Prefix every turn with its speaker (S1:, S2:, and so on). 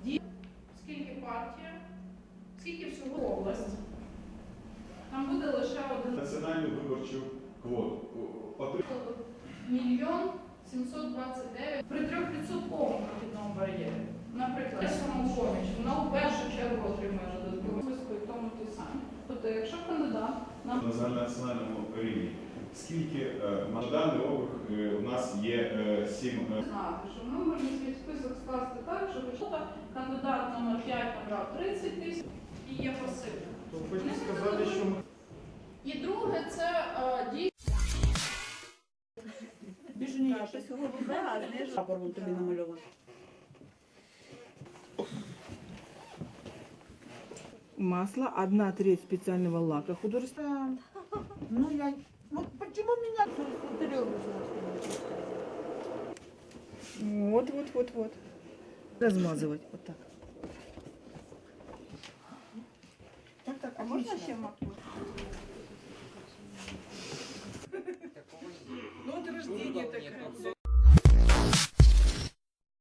S1: Скільки партія, скільки всього область. Там буде лише один.
S2: Національну виборчу квоту.
S1: 1 729 при 3% прохідному бар'єрі. Наприклад, самопоміч, вона в першу чергу отримує додаткову списку і тому ті самі. Тобто, якщо кандидат
S2: на національному рівні, скільки на даний округ у нас є 7...
S1: Знати, що ми можемо свій список скласти так, що почата кандидат номер 5 набрав 30 тисяч і є пасивним.
S3: Хочете сказати, що ми...
S1: І друге, це дійсно.
S4: Більше ніяк, щось голубе, а не прапор вон тобі намальований.
S5: Масло, 1/3 специального лака художественного.
S4: Ну, я... Вот почему меня...
S5: Вот. Размазывать вот так.
S4: Так, а можно ще макнуть?
S5: Ну, вот рождение такое.